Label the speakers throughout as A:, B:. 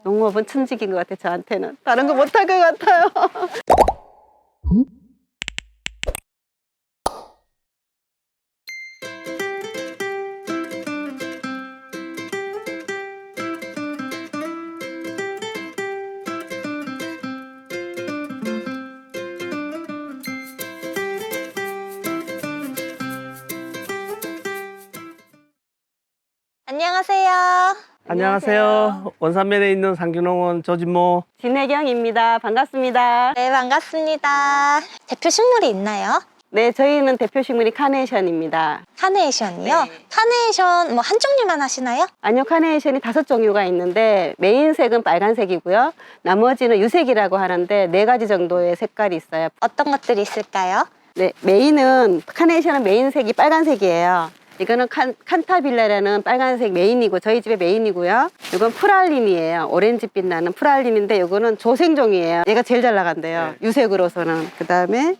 A: 농업은 천직인 것 같아요. 저한테는 다른 거 못할 것 같아요.
B: 안녕하세요.
C: 안녕하세요. 원산면에 있는 상규농원 조진모.
A: 진혜경입니다. 반갑습니다.
B: 네, 반갑습니다. 대표 식물이 있나요?
A: 네, 저희는 대표 식물이 카네이션입니다.
B: 카네이션이요?
A: 네.
B: 카네이션 뭐 한 종류만 하시나요?
A: 아니요, 카네이션이 5종류가 있는데 메인색은 빨간색이고요. 나머지는 유색이라고 하는데 4가지 정도의 색깔이 있어요.
B: 어떤 것들이 있을까요?
A: 네, 카네이션은 메인색이 빨간색이에요. 이거는 칸타빌라라는 빨간색 메인이고 저희 집의 메인이고요. 이건 프랄린이에요. 오렌지빛 나는 프랄린인데 이거는 조생종이에요. 얘가 제일 잘 나간대요. 유색으로서는. 그 다음에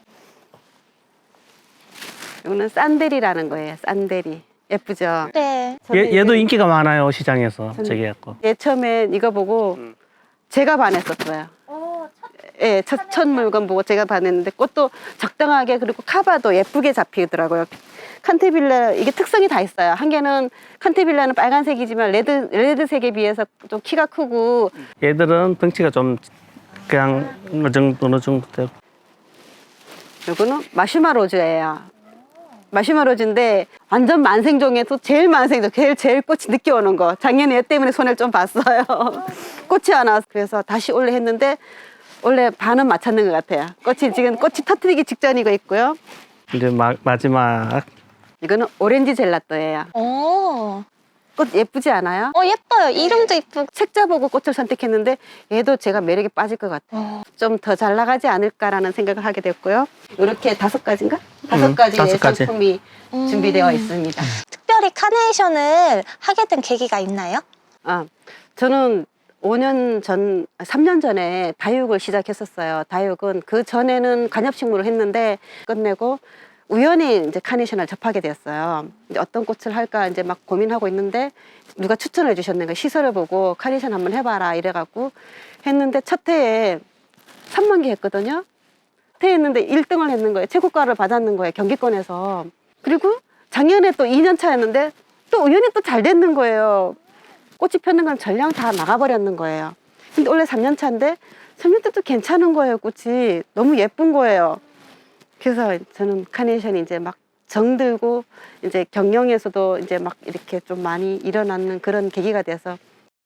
A: 이거는 산데리라는 거예요. 산데리. 예쁘죠?
B: 네.
C: 얘도 인기가 많아요, 시장에서. 저기 갖고.
A: 얘 처음에 이거 보고 제가 반했었어요. 예, 첫 물건 보고 제가 반했는데 꽃도 적당하게 그리고 카바도 예쁘게 잡히더라고요. 칸테빌라 이게 특성이 다 있어요. 한 개는 칸테빌라는 빨간색이지만 레드색에 비해서 좀 키가 크고
C: 얘들은 덩치가 좀 그냥 어느 정도 되고.
A: 이거는 마슈마로즈예요. 마슈마로즈인데 완전 만생종에서 제일 만생종, 제일 꽃이 늦게 오는 거. 작년에 얘 때문에 손해를 좀 봤어요. 꽃이 안 와서 그래서 다시 올래 했는데 원래 반은 맞췄는 것 같아요. 지금 꽃이 터뜨리기 직전이고 있고요.
C: 이제 마지막.
A: 이거는 오렌지 젤라또예요.
B: 오.
A: 꽃 예쁘지 않아요?
B: 예뻐요. 이름도 이쁘고.
A: 책자 보고 꽃을 선택했는데 얘도 제가 매력에 빠질 것 같아요. 좀 더 잘 나가지 않을까라는 생각을 하게 됐고요. 이렇게 5가지인가? 5가지의
C: 5가지.
A: 상품이 준비되어 있습니다.
B: 특별히 카네이션을 하게 된 계기가 있나요?
A: 저는 3년 전에 다육을 시작했었어요. 다육은 그 전에는 관엽식물을 했는데 끝내고 우연히 이제 카네이션을 접하게 되었어요. 이제 어떤 꽃을 할까 이제 막 고민하고 있는데 누가 추천해 주셨는가 시설을 보고 카네이션 한번 해봐라 이래갖고 했는데 첫 해에 3만 개 했거든요. 첫 해 했는데 1등을 했는 거예요. 최고가를 받았는 거예요. 경기권에서. 그리고 작년에 또 2년 차였는데 또 우연히 또 잘 됐는 거예요. 꽃이 폈는 건 전량 다 나가버렸는 거예요. 근데 원래 3년 차인데 3년 때도 괜찮은 거예요. 꽃이 너무 예쁜 거예요. 그래서 저는 카네이션이 이제 막 정들고 이제 경영에서도 이제 막 이렇게 좀 많이 일어나는 그런 계기가 돼서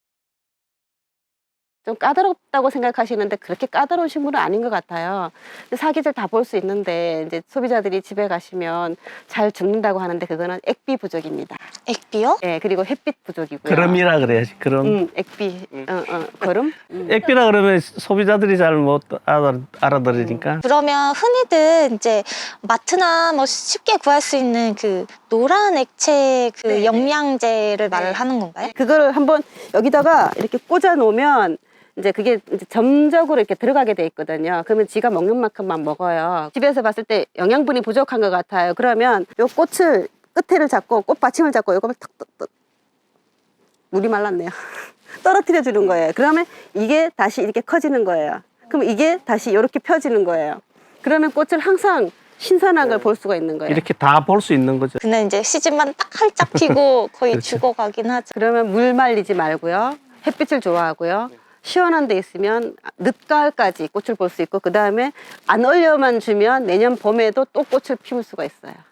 A: 좀 까다롭다고 생각하시는데 그렇게 까다로운 식물은 아닌 것 같아요. 사계절 다 볼 수 있는데 이제 소비자들이 집에 가시면 잘 죽는다고 하는데 그거는 액비 부족입니다.
B: 액비요?
A: 예, 그리고 햇빛 부족이고요.
C: 그럼이라 그래야지, 그럼.
A: 액비, 거름.
C: 액비라 그러면 소비자들이 잘 못 알아들으니까.
B: 그러면 흔히들 이제 마트나 뭐 쉽게 구할 수 있는 그 노란 액체 그
A: 네.
B: 영양제를 말을 하는 건가요?
A: 그거를 한번 여기다가 이렇게 꽂아 놓으면 이제 그게 이제 점적으로 이렇게 들어가게 돼 있거든요. 그러면 지가 먹는 만큼만 먹어요. 집에서 봤을 때 영양분이 부족한 것 같아요. 그러면 요 꽃을 끝에를 잡고 꽃 받침을 잡고 요거를 탁탁탁 물이 말랐네요. 떨어뜨려 주는 거예요. 그러면 이게 다시 이렇게 커지는 거예요. 그럼 이게 다시 이렇게 펴지는 거예요. 그러면 꽃을 항상 신선한 걸 볼 수가 있는 거예요.
C: 이렇게 다 볼 수 있는 거죠.
B: 근데 이제 시즌만 딱 활짝 피고 거의
C: 그렇죠.
B: 죽어가긴 하죠.
A: 그러면 물 말리지 말고요. 햇빛을 좋아하고요. 시원한 데 있으면 늦가을까지 꽃을 볼 수 있고 그 다음에 안 얼려만 주면 내년 봄에도 또 꽃을 피울 수가 있어요.